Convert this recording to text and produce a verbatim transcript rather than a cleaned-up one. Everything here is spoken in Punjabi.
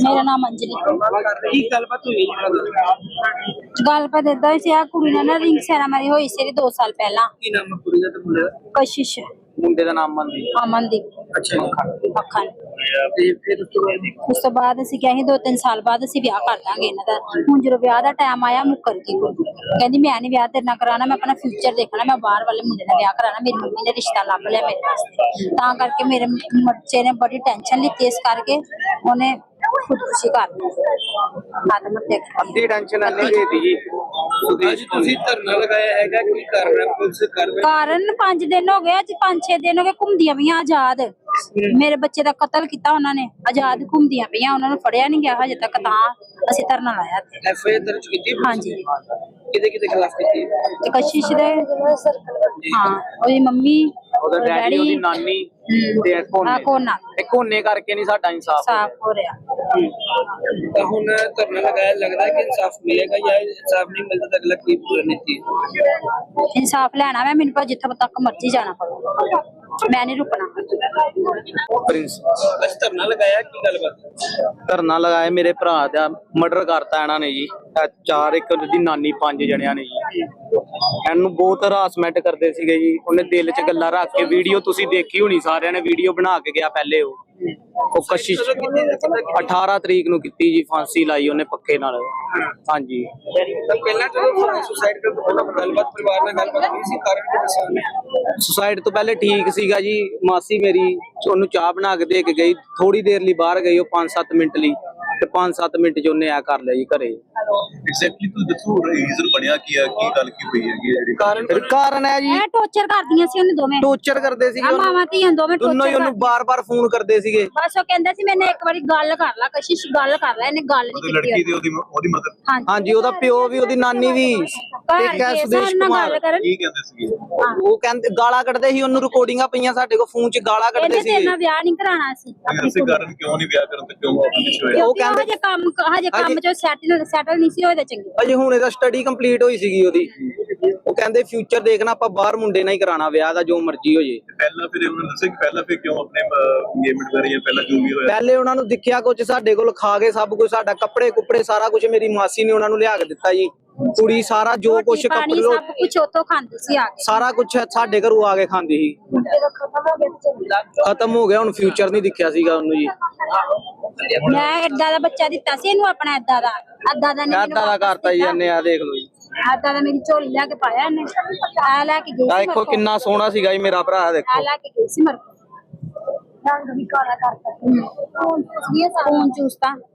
ਮੇਰਾ ਨਾਮ ਅੰਜਲੀ। ਕੀ ਗੱਲਬਾਤ ਹੋਈ ਗੱਲਬਾਤ ਏਦਾਂ ਸੀ, ਆ ਕੁੜੀ ਨਾਲ ਨਾ ਰਿੰਗ ਸੈਰਾਮਨੀ ਹੋਈ ਸੀ ਦੋ ਸਾਲ ਪਹਿਲਾਂ। ਕੀ ਨਾਮ ਹੈ ਕੁੜੀ ਦਾ ਤੇ ਮੁੰਡੇ ਦਾ? ਕਸ਼ਿਸ਼ ਮੁੰਡੇ ਦਾ ਨਾਮ ਮਨਦੀਪ। ਅਮਨਦੀਪ। ਅੱਛਾ ਅੱਖਾਂ ਤੇ ਫਿਰ ਉਸ ਤੋਂ ਬਾਅਦ ਉਸ ਤੋਂ ਬਾਅਦ ਅਸੀਂ ਕਿਹਾ ਸੀ ਦੋ ਤਿੰਨ ਸਾਲ ਬਾਅਦ ਅਸੀਂ ਵਿਆਹ ਕਰ ਦਾਂਗੇ ਇਹਨਾਂ ਦਾ। ਹੁਣ ਜਦੋਂ ਵਿਆਹ ਦਾ ਟਾਈਮ ਆਇਆ ਮੁੱਕਰ ਗਈ ਕੁੜੀ। ਕਹਿੰਦੀ ਮੈਂ ਨਹੀਂ ਵਿਆਹ ਤੇਰੇ ਨਾਲ ਕਰਾਉਣਾ, ਮੈਂ ਆਪਣਾ ਫਿਊਚਰ ਦੇਖਣਾ, ਮੈਂ ਬਾਹਰ ਵਾਲੇ ਮੁੰਡੇ ਨਾਲ ਵਿਆਹ ਕਰਾਉਣਾ। ਮੇਰੀ ਮੰਮੀ ਨੇ ਰਿਸ਼ਤਾ ਲੱਭ ਲਿਆ ਮੇਰੇ ਵਾਸਤੇ, ਤਾਂ ਕਰਕੇ ਮੇਰੇ ਬੱਚੇ ਨੇ ਬੜੀ ਟੈਨਸ਼ਨ ਲਿੱਤੀ, ਇਸ ਕਰਕੇ ਉਹਨੇ ਖੁਦਕੁਸ਼ੀ ਕਰ ਲਈ। ਆਤਮ ਹੱਤਿਆ ਕਰ ਅੱਧੀ ਟੈਨਸ਼ਨ ਆਨੀ ਗਈ ਜੀ। ਅੱਜ ਤੁਸੀਂ ਧਰਨਾ ਲਗਾਇਆ ਹੈਗਾ, ਕੀ ਕਾਰਨ ਹੈ? ਪੁਲਿਸ ਕਾਰਵਾਈ ਕਾਰਨ ਪੰਜ ਦਿਨ ਹੋ ਗਏ, ਅੱਜ ਪੰਜ ਛੇ ਦਿਨ ਹੋ ਗਏ ਘੁੰਮਦੀਆਂ ਪਈਆਂ ਆਜ਼ਾਦ। ਮੇਰੇ ਬੱਚੇ ਦਾ ਕਤਲ ਕੀਤਾ ਉਹਨਾਂ ਨੇ, ਆਜ਼ਾਦ ਘੁੰਮਦੀਆਂ ਪਈਆਂ, ਉਹਨਾਂ ਨੂੰ ਫੜਿਆ ਨਹੀਂ ਗਿਆ ਹਜੇ ਤੱਕ, ਤਾਂ ਅਸੀਂ ਧਰਨਾ ਲਾਇਆ। ਐਫ ਆਈ ਆਰ ਦਰਜ ਕੀਤੀ? ਹਾਂਜੀ। ਕਿਹਦੇ ਕਿਹਦੇ ਖਿਲਾਫ ਕੀਤੀ? ਤੇ ਕਸ਼ਿਸ਼ ਦੇ, ਹਾਂ ਉਹਦੀ ਮੰਮੀ, ਉਹਦਾ ਡੈਡੀ, ਉਹਦੀ ਨਾਨੀ ਤੇ ਆ ਕੋਨੇ ਕੋਨਾ ਇਹ ਕੋਨੇ ਕਰਕੇ ਨਹੀਂ ਸਾਡਾ ਇਨਸਾਫ ਸਾਫ ਹੋ ਰਿਹਾ। ਤਾਂ ਹੁਣ ਧਰਨਾ ਲਗਾਇਆ, ਲੱਗਦਾ ਹੈ ਕਿ ਇਨਸਾਫ ਮਿਲੇਗਾ ਜਾਂ ਇਨਸਾਫ ਨਹੀਂ ਮਿਲਦਾ ਤਾਂ ਅਗਲਾ ਕੀ ਰਣਨੀਤੀ ਹੈ? ਇਨਸਾਫ ਲੈਣਾ ਮੈਂ, ਮੈਨੂੰ ਪਰ ਜਿੱਥੋਂ ਤੱਕ ਮਰਜ਼ੀ ਜਾਣਾ ਪਵੇ, ਮੈਂ ਨਹੀਂ ਰੁਕਣਾ। ਪ੍ਰਿੰਸ ਬਸ ਧਰਨਾ ਲਗਾਇਆ, ਕੀ ਗੱਲਬਾਤ? ਧਰਨਾ ਲਗਾਇਆ, ਮੇਰੇ ਭਰਾ ਦਾ ਮਰਡਰ ਕਰਤਾ ਇਹਨਾਂ ਨੇ ਜੀ। ਚਾਰ ਇੱਕ ਦੀ ਨਾਨੀ, ਪੰਜ ਜਣਿਆਂ ਨੇ ਜੀ ਇਹਨੂੰ ਬਹੁਤ ਹਰਾਸਮੈਂਟ ਕਰਦੇ ਸੀਗੇ ਜੀ। ਉਹਨੇ ਦਿਲ 'ਚ ਗੱਲਾਂ ਰੱਖ ਕੇ, ਵੀਡੀਓ ਤੁਸੀਂ ਦੇਖੀ ਹੋਣੀ, ਸਾਰਿਆਂ ਨੇ ਵੀਡੀਓ ਬਣਾ ਕੇ ਗਿਆ ਪਹਿਲੇ। ਉਹ ਉਹ ਕਸ਼ਿਸ਼ ਅਠਾਰਾਂ ਤਰੀਕ ਨੂੰ ਕੀਤੀ ਜੀ, ਫਾਂਸੀ ਲਾਈ ਉਹਨੇ ਪੱਕੇ ਨਾਲ। ਹਾਂਜੀ ਪਹਿਲਾਂ ਜਦੋਂ ਸੁਸਾਈਡ ਕਰਨ ਤੋਂ ਪਹਿਲਾਂ ਗੱਲਬਾਤ ਪਰਿਵਾਰ ਨਾਲ ਗੱਲਬਾਤ ਨਹੀਂ ਸੀ, ਕਾਰਨ ਕੀ ਦੱਸਿਆ ਉਹਨੇ? ਸੁਸਾਈਡ ਤੋਂ ਪਹਿਲੇ ਠੀਕ ਸੀਗਾ ਜੀ। ਮਾਸੀ ਮੇਰੀ ਉਹਨੂੰ ਚਾਹ ਬਣਾ ਕੇ ਦੇ ਕੇ ਗਈ, ਥੋੜੀ ਦੇਰ ਲਈ ਬਾਹਰ ਗਈ ਉਹ ਪੰਜ ਸੱਤ ਮਿੰਟ ਲਈ, ਤੇ ਪੰਜ ਸੱਤ ਮਿੰਟ 'ਚ ਉਹਨੇ ਆ ਕਰ ਲਿਆ ਜੀ ਘਰੇ। ਐਗਜ਼ੈਕਟਲੀ ਤੂੰ ਦੱਸੋ ਰੀਜ਼ਨ ਬਣਿਆ ਕੀ ਆ, ਕੀ ਗੱਲ ਕੀ ਹੋਈ ਹੈਗੀ ਜਿਹੜੀ ਕਾਰਨ ਕਾਰਨ ਹੈ ਜੀ, ਇਹ ਟੌਰਚਰ ਕਰਦੀਆਂ ਸੀ ਉਹਨੂੰ ਦੋਵੇਂ, ਟੌਰਚਰ ਕਰਦੇ ਸੀਗੇ ਉਹਨੂੰ। ਮਾਵਾਂ ਧੀਆਂ ਦੋਵੇਂ ਦੋਨੋਂ ਹੀ ਉਹਨੂੰ ਬਾਰ-ਬਾਰ ਫੋਨ ਕਰਦੇ ਸੀਗੇ। ਬਸ ਉਹ ਕਹਿੰਦਾ ਸੀ ਮੈਨੇ ਇੱਕ ਵਾਰੀ ਗੱਲ ਕਰ ਲਾ, ਕਸ਼ਿਸ਼ ਗੱਲ ਕਰ ਲੈ, ਇਹਨੇ ਗੱਲ ਨਹੀਂ ਕੀਤੀ। ਲੜਕੀ ਦੀ ਉਹਦੀ ਉਹਦੀ ਮਦਰ? ਹਾਂਜੀ, ਉਹਦਾ ਪਿਓ ਵੀ, ਉਹਦੀ ਨਾਨੀ ਵੀ, ਤੇ ਕੈਸ ਸੁਦੇਸ਼ ਕੁਮਾਰ। ਕੀ ਕਹਿੰਦੇ ਸੀਗੇ ਉਹ ਕਹਿੰਦੇ ਗਾਲਾਂ ਕੱਢਦੇ ਸੀ ਉਹਨੂੰ, ਰਿਕਾਰਡਿੰਗਾਂ ਪਈਆਂ ਸਾਡੇ ਕੋਲ ਫੋਨ 'ਚ, ਗਾਲਾਂ ਕੱਢਦੇ ਸੀ। ਇਹਨੇ ਵਿਆਹ ਨਹੀਂ ਕਰਾਉਣਾ ਸੀ। ਇਸੇ ਕਾਰਨ ਕਿਉਂ ਨਹੀਂ ਵਿਆਹ ਕਰਨ ਤੇ ਕਿਉਂ ਆਪਣਾ ਪਿੱਛੇ ਹੋਇਆ? ਉਹ ਕਹਿੰਦੇ ਹਜੇ ਕੰਮ ਹਜੇ ਕੰਮ 'ਚ ਸੈਟਲ ਸੈਟਲ ਨਹੀਂ ਸੀ ਹੋਏ ਚੰਗੀ। ਅਜੇ ਹੁਣ ਇਹਦਾ ਸਟੱਡੀ ਕੰਪਲੀਟ ਹੋਈ ਸੀਗੀ ਉਹਦੀ। ਉਹ ਕਹਿੰਦੇ ਫਿਊਚਰ ਦੇਖਣਾ, ਆਪਾਂ ਬਾਹਰ ਮੁੰਡੇ ਨਾਲ ਹੀ ਕਰਾਉਣਾ ਵਿਆਹ ਦਾ, ਜੋ ਮਰਜ਼ੀ ਹੋ ਜੇ। ਪਹਿਲਾਂ ਫਿਰ ਉਹਨਾਂ ਨੇ ਦੱਸਿਆ ਕਿ ਪਹਿਲਾਂ ਫਿਰ ਕਿਉਂ ਆਪਣੇ ਇੰਗੇਜਮੈਂਟ ਕਰੀ ਜਾਂ ਪਹਿਲਾਂ ਜੋ ਵੀ ਹੋਇਆ? ਪਹਿਲੇ ਉਹਨਾਂ ਨੂੰ ਦਿਖਿਆ ਕੁਝ ਸਾਡੇ ਕੋਲ, ਖਾ ਕੇ ਸਭ ਕੁਝ, ਸਾਡਾ ਕੱਪੜੇ ਕੁੱਪੜੇ ਸਾਰਾ ਕੁਝ ਮੇਰੀ ਮਾਸੀ ਨੇ ਉਹਨਾਂ ਨੂੰ ਲਿਆ ਕੇ ਦਿੱਤਾ ਜੀ। ਕੁੜੀ ਸਾਰਾ ਜੋ ਕੁਝ ਕੱਪੜੇ ਸਭ ਕੁਝ ਉੱਥੋਂ ਖਾਂਦੀ ਸੀ ਆ ਕੇ, ਸਾਰਾ ਕੁਝ ਸਾਡੇ ਘਰੋਂ ਆ ਕੇ ਖਾਂਦੀ ਸੀ। ਖਤਮ ਹੋ ਗਿਆ, ਹੁਣ ਫਿਊਚਰ ਨਹੀਂ ਦਿਖਿਆ ਸੀਗਾ ਉਹਨੂੰ ਜੀ। ਮੈਂ ਏਦਾਂ ਦਾ ਬੱਚਾ ਦਿੱਤਾ ਸੀ ਇਹਨੂੰ, ਆਪਣਾ ਏਦਾਂ ਦਾ ਏਦਾਂ ਦਾ ਨਹੀਂ ਏਦਾਂ ਦਾ ਕਰਤਾ ਜੀ ਇਹਨੇ, ਆ ਦੇਖ ਲਓ ਜੀ। ਏਦਾਂ ਦਾ ਮੇਰੀ ਝੋਲੀ ਲੈ ਕੇ ਪਾਇਆ ਇਹਨੇ, ਆ ਲੈ ਕੇ ਗਈ ਆ ਸੀ। ਦੇਖੋ ਕਿੰਨਾ ਸੋਹਣਾ ਸੀਗਾ ਜੀ ਮੇਰਾ ਭਰਾ, ਦੇਖੋ ਆ ਲੈ ਕੇ ਗਈ ਸੀ ਮਰ ਰੰਗ ਵੀ ਕਾਲਾ ਕਰਤਾ, ਫੋਨ ਚੂਸਤਾ।